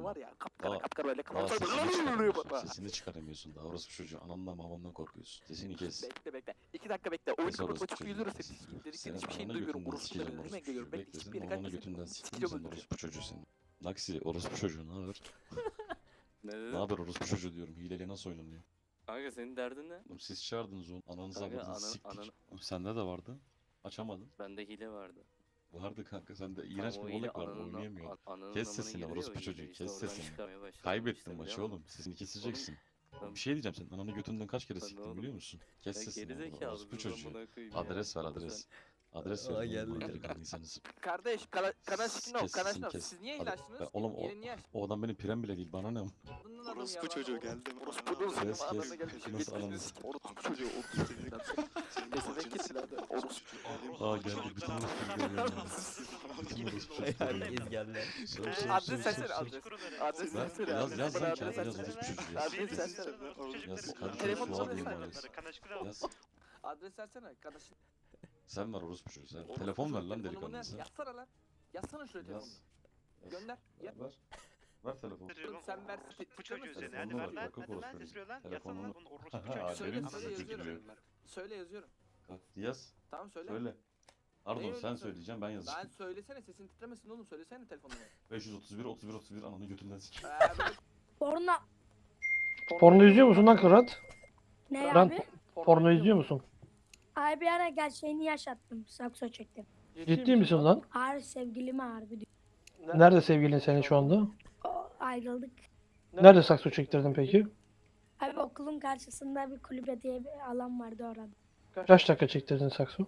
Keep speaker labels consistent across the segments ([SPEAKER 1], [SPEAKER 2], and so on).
[SPEAKER 1] var ya kapkara
[SPEAKER 2] Aa,
[SPEAKER 1] kapkara böyle
[SPEAKER 2] Daha
[SPEAKER 1] kafası
[SPEAKER 2] sesini çıkaramıyorsun.
[SPEAKER 1] böyle.
[SPEAKER 2] Sesini çıkaramıyorsun. Daha orospu çocuğu. Anandan babamdan korkuyorsun. Sesini kes.
[SPEAKER 1] Bekle. 2 dakika bekle. Oyunu
[SPEAKER 2] Kes
[SPEAKER 1] kapatıma
[SPEAKER 2] orospu
[SPEAKER 1] çok
[SPEAKER 2] çocuğu.
[SPEAKER 1] üzülürse
[SPEAKER 2] Kes.
[SPEAKER 1] sikeyim dediklerin
[SPEAKER 2] Senin
[SPEAKER 1] hiçbir şeyini
[SPEAKER 2] ananı
[SPEAKER 1] duymuyorum.
[SPEAKER 2] götünden
[SPEAKER 1] Orospuları
[SPEAKER 2] sikeceğim
[SPEAKER 1] önüme
[SPEAKER 2] orospu
[SPEAKER 1] geliyorum.
[SPEAKER 2] çocuğu.
[SPEAKER 1] Bekle
[SPEAKER 2] Bekle
[SPEAKER 1] hiçbir
[SPEAKER 2] senin
[SPEAKER 1] yere
[SPEAKER 2] ananı
[SPEAKER 1] kaçmasın.
[SPEAKER 2] götünden siktim
[SPEAKER 1] Sikeceğim
[SPEAKER 2] senin
[SPEAKER 1] öldüreceğim.
[SPEAKER 2] orospu çocuğu senin. Naksi orospu çocuğu ne haber?
[SPEAKER 3] Ne
[SPEAKER 2] Ne
[SPEAKER 3] dedin?
[SPEAKER 2] haber orospu çocuğu diyorum. Hileyle nasıl oynanıyor?
[SPEAKER 3] Kanka senin derdin ne?
[SPEAKER 2] Oğlum siz çağırdınız onu. Ananızı
[SPEAKER 3] Kanka
[SPEAKER 2] avradınızı siktik.
[SPEAKER 3] anan
[SPEAKER 2] Oğlum sende de vardı. Açamadın.
[SPEAKER 3] bende hile vardı.
[SPEAKER 2] Vardı kanka sende
[SPEAKER 3] Tam
[SPEAKER 2] iğrenç
[SPEAKER 3] o
[SPEAKER 2] bir
[SPEAKER 3] hile
[SPEAKER 2] olayk vardı oynayamıyordun.
[SPEAKER 3] ananın
[SPEAKER 2] Kes
[SPEAKER 3] amına
[SPEAKER 2] sesini
[SPEAKER 3] giriyor ya
[SPEAKER 2] orospu
[SPEAKER 3] o hile
[SPEAKER 2] çocuğu
[SPEAKER 3] işte
[SPEAKER 2] kes
[SPEAKER 3] oradan
[SPEAKER 2] sesini.
[SPEAKER 3] çıkarmaya başladım
[SPEAKER 2] Kaybettin
[SPEAKER 3] işte,
[SPEAKER 2] maçı
[SPEAKER 3] biliyor
[SPEAKER 2] oğlum. Sesini keseceksin.
[SPEAKER 3] Oğlum,
[SPEAKER 2] Bir şey diyeceğim senin ananı götünden kaç kere
[SPEAKER 3] Lan
[SPEAKER 2] siktim
[SPEAKER 3] oğlum,
[SPEAKER 2] biliyor musun? Kes
[SPEAKER 3] Ya
[SPEAKER 2] sesini
[SPEAKER 3] gerizekalı
[SPEAKER 2] orospu
[SPEAKER 3] bir
[SPEAKER 2] çocuğu.
[SPEAKER 3] amına koyayım ya.
[SPEAKER 2] Adres ver
[SPEAKER 3] Oğlum
[SPEAKER 2] adres.
[SPEAKER 3] sen-
[SPEAKER 2] Adres
[SPEAKER 3] Aa,
[SPEAKER 2] ver
[SPEAKER 3] geldi.
[SPEAKER 2] oğlum delikanlıysanız.
[SPEAKER 1] Kardeş kanaşın o
[SPEAKER 2] Kes sesini
[SPEAKER 1] kanaşın o.
[SPEAKER 2] kes.
[SPEAKER 1] Siz niye
[SPEAKER 2] Hadi.
[SPEAKER 1] ilaçtınız?
[SPEAKER 2] Oğlum
[SPEAKER 1] Yine niye
[SPEAKER 2] o adam benim pirem bile değil bana ne?
[SPEAKER 1] açtın adamı
[SPEAKER 4] Orospu
[SPEAKER 1] ya?
[SPEAKER 4] çocuğu geldi.
[SPEAKER 1] Orospu'nun
[SPEAKER 2] Kes,
[SPEAKER 1] senin
[SPEAKER 2] kes.
[SPEAKER 1] anana gelmiş.
[SPEAKER 2] Nasıl
[SPEAKER 1] Yetmişini
[SPEAKER 2] ananı
[SPEAKER 1] sikim. Orospu çocuğu. Orospu çocuğu. Mesela kesin hadi. Orospu.
[SPEAKER 2] Aa geldi bütün orospu geldi. Bütün orospu çocuklar geldi.
[SPEAKER 5] Herkes geldi.
[SPEAKER 2] Sor, sor,
[SPEAKER 1] Adres
[SPEAKER 2] sor,
[SPEAKER 1] versene
[SPEAKER 2] sor, sor.
[SPEAKER 1] adres. Adres
[SPEAKER 2] Ver,
[SPEAKER 1] versene.
[SPEAKER 2] yaz
[SPEAKER 1] adres.
[SPEAKER 2] lan
[SPEAKER 1] Bana
[SPEAKER 2] kağıda
[SPEAKER 1] adres
[SPEAKER 2] yaz
[SPEAKER 1] versene.
[SPEAKER 2] orospu çocuğu
[SPEAKER 1] Adres
[SPEAKER 2] yaz.
[SPEAKER 1] versene.
[SPEAKER 2] Yaz kardeşim
[SPEAKER 1] Telefon
[SPEAKER 2] su
[SPEAKER 1] numarası
[SPEAKER 2] alayım
[SPEAKER 1] ver.
[SPEAKER 2] bana yaz. Yaz.
[SPEAKER 1] Adres versene. Kanaşın.
[SPEAKER 2] Sen ver orospu çocuğu sen.
[SPEAKER 1] Orospu
[SPEAKER 2] Telefon ver
[SPEAKER 1] çocuğu,
[SPEAKER 2] lan
[SPEAKER 1] telefonumu
[SPEAKER 2] delikanlı sen.
[SPEAKER 1] Yazsana lan. Yazsana şuraya telefonu.
[SPEAKER 2] Yaz. Yaz.
[SPEAKER 1] Gönder. Ya.
[SPEAKER 2] Ver. Ver telefonu.
[SPEAKER 1] Sen ver.
[SPEAKER 6] Bu çocuğu
[SPEAKER 1] titremezsin.
[SPEAKER 6] üzerine. Hadi
[SPEAKER 2] Telefonunu
[SPEAKER 6] ver
[SPEAKER 2] ver,
[SPEAKER 6] lan.
[SPEAKER 2] bak,
[SPEAKER 6] Hadi lan.
[SPEAKER 2] orospu
[SPEAKER 6] Sesliyor lan.
[SPEAKER 2] çocuğu.
[SPEAKER 6] Yazsana lan.
[SPEAKER 2] Telefonunu-
[SPEAKER 6] Bunu orospu
[SPEAKER 2] Ha,
[SPEAKER 6] çocuğu.
[SPEAKER 1] Söyle
[SPEAKER 2] benim
[SPEAKER 1] söyle
[SPEAKER 2] çocuğu
[SPEAKER 1] yazıyorum.
[SPEAKER 2] diyor.
[SPEAKER 1] Söyle yazıyorum.
[SPEAKER 2] Kalk, yaz.
[SPEAKER 1] Tamam söyle.
[SPEAKER 2] Söyle. Pardon
[SPEAKER 1] Neyi
[SPEAKER 2] sen
[SPEAKER 1] söyle?
[SPEAKER 2] söyleyeceğim ben yazacağım.
[SPEAKER 1] Ben söylesene sesin titremesin oğlum söylesene telefonunu.
[SPEAKER 2] 531 ananı götünden sik.
[SPEAKER 1] Böyle
[SPEAKER 7] Porno.
[SPEAKER 8] Porno izliyor musun lan Kırat?
[SPEAKER 7] Ne
[SPEAKER 8] Ben
[SPEAKER 7] abi?
[SPEAKER 8] porno izliyor musun?
[SPEAKER 7] Abi bir ara gerçeğini yaşattım. Sakso çektim.
[SPEAKER 8] Ciddi misin lan?
[SPEAKER 7] Harbi sevgilime harbi diyor.
[SPEAKER 8] Nerede sevgilin senin şu anda?
[SPEAKER 7] Ayrıldık.
[SPEAKER 8] Nerede sakso çektirdin peki?
[SPEAKER 7] Abi okulun karşısında bir kulübe diye bir alan vardı orada.
[SPEAKER 8] Kaç dakika çektirdin sakso?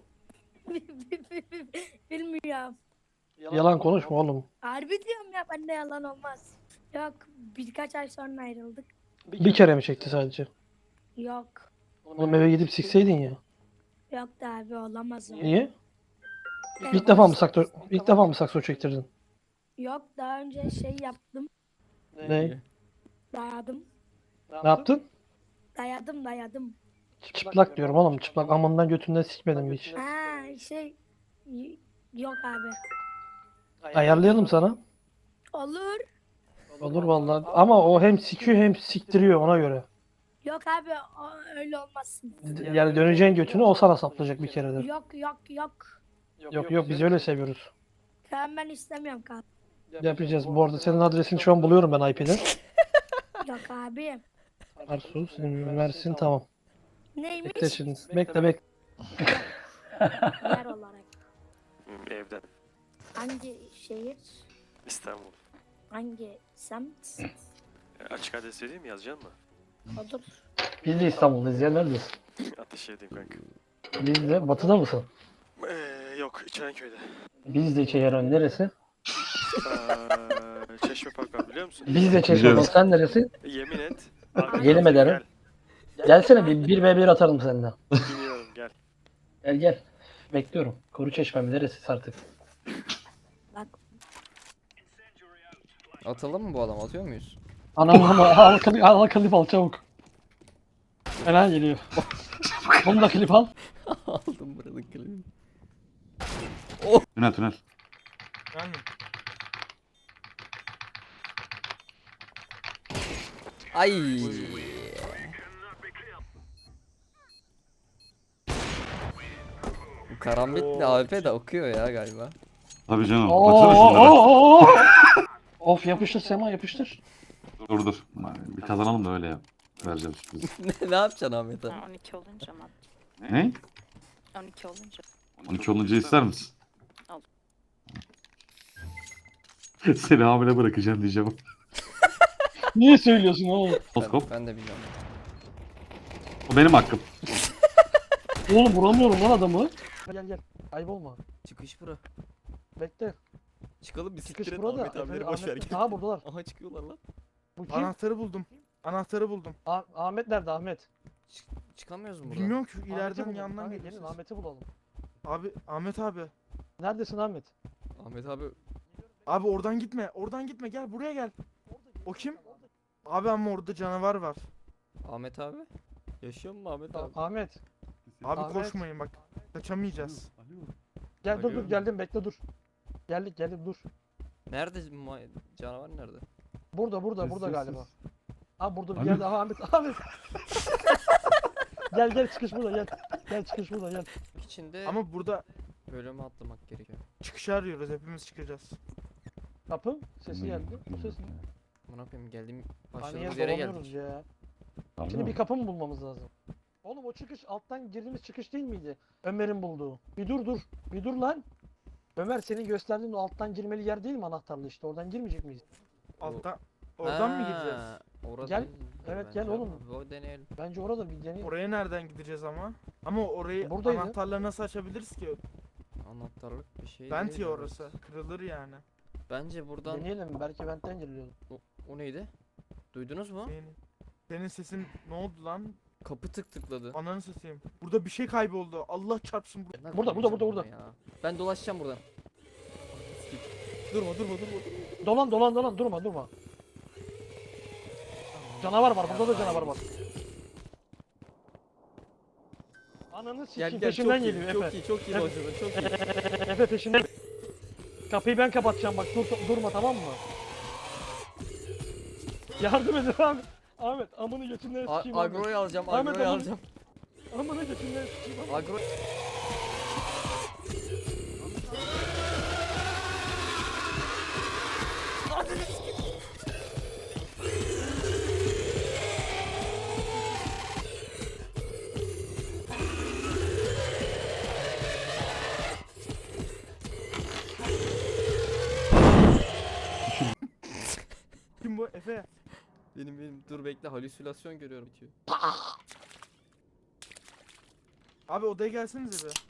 [SPEAKER 7] Bilmiyorum.
[SPEAKER 8] Yalan konuşma oğlum.
[SPEAKER 7] Harbi diyorum ya bende yalan olmaz. Yok birkaç ay sonra ayrıldık.
[SPEAKER 8] Bir kere mi çekti sadece?
[SPEAKER 7] Yok.
[SPEAKER 8] Oğlum eve gidip sikseydin ya.
[SPEAKER 7] Yok da abi olamaz o.
[SPEAKER 8] Niye?
[SPEAKER 7] Evet.
[SPEAKER 8] İlk defa mı sakso çektirdin?
[SPEAKER 7] Yok daha önce şey yaptım.
[SPEAKER 8] Ne?
[SPEAKER 7] Dayadım.
[SPEAKER 8] Ne yaptın?
[SPEAKER 7] Dayadım.
[SPEAKER 8] Çıplak diyorum oğlum. Çıplak amından götünden sikmedim hiç.
[SPEAKER 7] Ha şey yok abi.
[SPEAKER 8] Ayarlayalım sana.
[SPEAKER 7] Olur.
[SPEAKER 8] Olur vallahi. Ama o hem sikiyor hem siktiriyor ona göre.
[SPEAKER 7] Yok abi öyle olmasın.
[SPEAKER 8] Yani döneceğin götünü o sana saplayacak bir kere de.
[SPEAKER 7] Yok.
[SPEAKER 8] Yok biz öyle seviyoruz.
[SPEAKER 7] Tamam ben istemiyorum kanka.
[SPEAKER 8] Yapacağız. Bu arada senin adresini şu an buluyorum ben IP'den.
[SPEAKER 7] Yok abi.
[SPEAKER 8] Arsu senin versin tamam.
[SPEAKER 7] Neymiş?
[SPEAKER 8] Bekle şimdi. Bekle.
[SPEAKER 7] Yer olarak.
[SPEAKER 4] Evden.
[SPEAKER 7] Hangi şehir?
[SPEAKER 4] İstanbul.
[SPEAKER 7] Hangi semt?
[SPEAKER 4] Açık adres vereyim mi? Yazacaksın mı?
[SPEAKER 7] Olur.
[SPEAKER 8] Biz de İstanbul'dayız ya neredesin?
[SPEAKER 4] Ateş edeyim kanka.
[SPEAKER 8] Biz de batıda mısın?
[SPEAKER 4] Yok İçerenköy'de.
[SPEAKER 8] Biz de Çeyran neresi?
[SPEAKER 4] Çeşme Park var biliyor musun?
[SPEAKER 8] Biz de Çeşme. Sen neresi?
[SPEAKER 4] Yemin et.
[SPEAKER 8] Yemin ederim. Gelsene bir 1v1 atarım seninle.
[SPEAKER 4] Gel. Bilmiyorum gel.
[SPEAKER 8] Gel. Bekliyorum. Koru Çeşmem neresi artık?
[SPEAKER 7] Bak
[SPEAKER 5] Atalım mı bu adam? Atıyor muyuz?
[SPEAKER 8] Anam al klip al çabuk. Fena geliyor. Bunu da klip al.
[SPEAKER 5] Aldım buranın klibini.
[SPEAKER 2] Tünel.
[SPEAKER 5] Ay. Bu karambitli AWP de okuyor ya galiba.
[SPEAKER 2] Tabii canım.
[SPEAKER 8] Oo. Of yapıştır Sema yapıştır.
[SPEAKER 2] Dur. Bir kazanalım da öyle yap. Vereceğim sürpriz.
[SPEAKER 5] Ne yapacaksın Ahmet abi?
[SPEAKER 9] 12 olunca mı?
[SPEAKER 2] Ne?
[SPEAKER 9] 12 olunca.
[SPEAKER 2] 12 olunca ister misin?
[SPEAKER 9] Al.
[SPEAKER 2] Seni hamile bırakacağım diyeceğim.
[SPEAKER 8] Niye söylüyorsun oğlum?
[SPEAKER 2] Moskop.
[SPEAKER 5] Ben de bilmiyorum.
[SPEAKER 2] O benim hakkım.
[SPEAKER 8] Oğlum vuramıyorum lan adamı. Gel. Ayıp olma.
[SPEAKER 5] Çıkış bura.
[SPEAKER 8] Bekle.
[SPEAKER 5] Çıkalım bir
[SPEAKER 8] Çıkış
[SPEAKER 5] siktir et
[SPEAKER 8] burada.
[SPEAKER 5] Ahmet abileri boş ver.
[SPEAKER 8] Aha buradalar.
[SPEAKER 5] Aha çıkıyorlar lan.
[SPEAKER 8] Bu kim?
[SPEAKER 10] Anahtarı buldum.
[SPEAKER 8] Ahmet nerede Ahmet?
[SPEAKER 5] Çıkamıyoruz mu buradan?
[SPEAKER 10] Bilmiyorum ki
[SPEAKER 8] Ahmet'i
[SPEAKER 10] ileriden
[SPEAKER 8] bulalım.
[SPEAKER 10] yandan
[SPEAKER 8] Kanka,
[SPEAKER 10] geliyor.
[SPEAKER 8] gelin Ahmet'i bulalım.
[SPEAKER 10] Abi Ahmet abi.
[SPEAKER 8] Neredesin Ahmet?
[SPEAKER 5] Ahmet abi
[SPEAKER 10] Abi oradan gitme. Oradan gitme. Gel buraya gel. O kim? Abi ama orada canavar var.
[SPEAKER 5] Ahmet abi. Yaşıyor mu Ahmet abi?
[SPEAKER 8] Ahmet.
[SPEAKER 10] Abi
[SPEAKER 8] Ahmet.
[SPEAKER 10] koşmayın bak. Kaçamayacağız.
[SPEAKER 8] Gel dur
[SPEAKER 5] Alo.
[SPEAKER 8] geldim bekle dur. Geldik dur.
[SPEAKER 5] Nerede canavar nerede?
[SPEAKER 8] Burada
[SPEAKER 2] Sus,
[SPEAKER 8] galiba.
[SPEAKER 2] sus.
[SPEAKER 8] Abi burada bir
[SPEAKER 2] Ahmet.
[SPEAKER 8] yerde. Aha Ahmet. Gel çıkış burada gel. Gel çıkış burada gel.
[SPEAKER 5] İçinde
[SPEAKER 10] Ama burada
[SPEAKER 5] bölümü atlamak gerekiyor.
[SPEAKER 10] çıkışı arıyoruz. Hepimiz çıkacağız.
[SPEAKER 8] Kapı sesi geldi. Bu ses ne?
[SPEAKER 5] Buna koyayım geldiğim
[SPEAKER 8] Hani
[SPEAKER 5] başladığımız
[SPEAKER 8] yer
[SPEAKER 5] yere
[SPEAKER 8] dolanıyoruz
[SPEAKER 5] geldik.
[SPEAKER 8] ya.
[SPEAKER 2] Harbi
[SPEAKER 8] Şimdi
[SPEAKER 2] mi?
[SPEAKER 8] bir kapı mı bulmamız lazım? Oğlum o çıkış alttan girdiğimiz çıkış değil miydi? Ömer'in bulduğu. Bir dur. Bir dur lan. Ömer senin gösterdiğin o alttan girmeli yer değil mi anahtarlı işte? Oradan girmeyecek miyiz?
[SPEAKER 10] Alttan. Oradan mı gireceğiz?
[SPEAKER 5] Ha, orada
[SPEAKER 8] Gel.
[SPEAKER 5] değildir
[SPEAKER 8] Evet,
[SPEAKER 5] bence
[SPEAKER 8] gel oğlum.
[SPEAKER 5] ama O deneyelim.
[SPEAKER 8] Bence orada bir deneyelim.
[SPEAKER 10] Oraya nereden gideceğiz ama? Ama orayı
[SPEAKER 8] Buradaydı.
[SPEAKER 10] anahtarla nasıl açabiliriz ki?
[SPEAKER 5] Anahtarlık bir şey
[SPEAKER 10] Vent
[SPEAKER 5] değil
[SPEAKER 10] ya
[SPEAKER 5] orası.
[SPEAKER 10] orası. Kırılır yani.
[SPEAKER 5] Bence buradan
[SPEAKER 8] Deneyelim belki ventten giriliyordu.
[SPEAKER 5] o neydi? Duydunuz mu?
[SPEAKER 10] Senin sesin ne oldu lan?
[SPEAKER 5] Kapı tıkladı.
[SPEAKER 10] Ananı satayım. Burada bir şey kayboldu. Allah çarpsın.
[SPEAKER 5] Ben
[SPEAKER 8] Burada.
[SPEAKER 5] koymayacağım ama ya. Ben dolaşacağım buradan.
[SPEAKER 10] Durma.
[SPEAKER 8] Dolan durma. Canavar var burada da canavar var. Ananı sikeyim peşimden geliyor Efe.
[SPEAKER 5] Çok iyi
[SPEAKER 8] Evet.
[SPEAKER 5] başladın çok iyi.
[SPEAKER 8] Efe peşimden. Kapıyı ben kapatacağım bak durma tamam mı? Yardım edin abi. Ahmet amını götünden sikeyim Ahmet.
[SPEAKER 5] Agro'yu alacağım,
[SPEAKER 8] Ahmet,
[SPEAKER 5] agro'yu
[SPEAKER 8] Ahmet.
[SPEAKER 5] alacağım.
[SPEAKER 8] Amını götünden sikeyim Ahmet.
[SPEAKER 5] Agro...
[SPEAKER 10] Kim bu? Efe.
[SPEAKER 5] Benim dur bekle halüsinasyon görüyorum bitiyor.
[SPEAKER 10] Abi odaya gelsenize bir.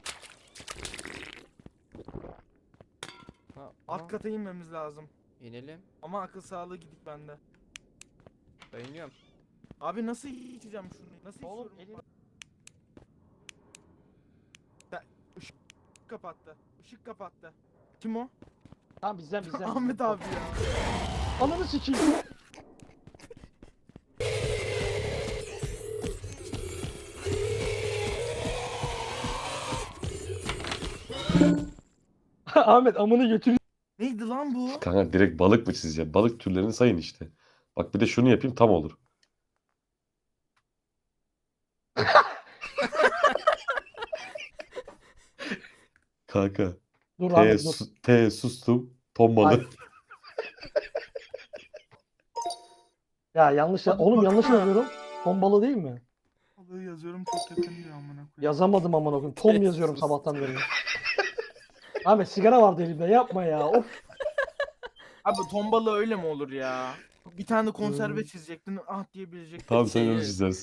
[SPEAKER 5] Ha,
[SPEAKER 10] Alt kata inmemiz lazım.
[SPEAKER 5] İnelim.
[SPEAKER 10] Ama akıl sağlığı gidik bende.
[SPEAKER 5] Dayanıyorum.
[SPEAKER 10] Abi nasıl içeceğim şunu? Nasıl
[SPEAKER 8] Oğlum
[SPEAKER 10] içiyorum?
[SPEAKER 8] elini
[SPEAKER 10] Işık kapattı. Işık kapattı. Kim o?
[SPEAKER 8] Tamam bizden.
[SPEAKER 10] Ahmet abi ya.
[SPEAKER 8] Ananı sikeyim. Ahmet amını götür.
[SPEAKER 10] Neydi lan bu?
[SPEAKER 2] Kanka direkt balık mı çizeceğim? Balık türlerini sayın işte. Bak bir de şunu yapayım tam olur. Kanka.
[SPEAKER 8] Dur Ahmet dur.
[SPEAKER 2] Sustum. Ton balığı.
[SPEAKER 8] Ay. Ya yanlış oğlum yanlış yazıyorum. Ton balığı değil mi?
[SPEAKER 10] Balığı yazıyorum çok yakın diyor amına koyayım.
[SPEAKER 8] Yazamadım amına koyayım. Tom yazıyorum sabahtan beri. Ahmet sigara vardı elimde yapma ya. Of.
[SPEAKER 10] Abi ton balığı öyle mi olur ya? Bir tane konserve çizecektin ah diyebilecektin.
[SPEAKER 2] Tamam sen onu çizersin.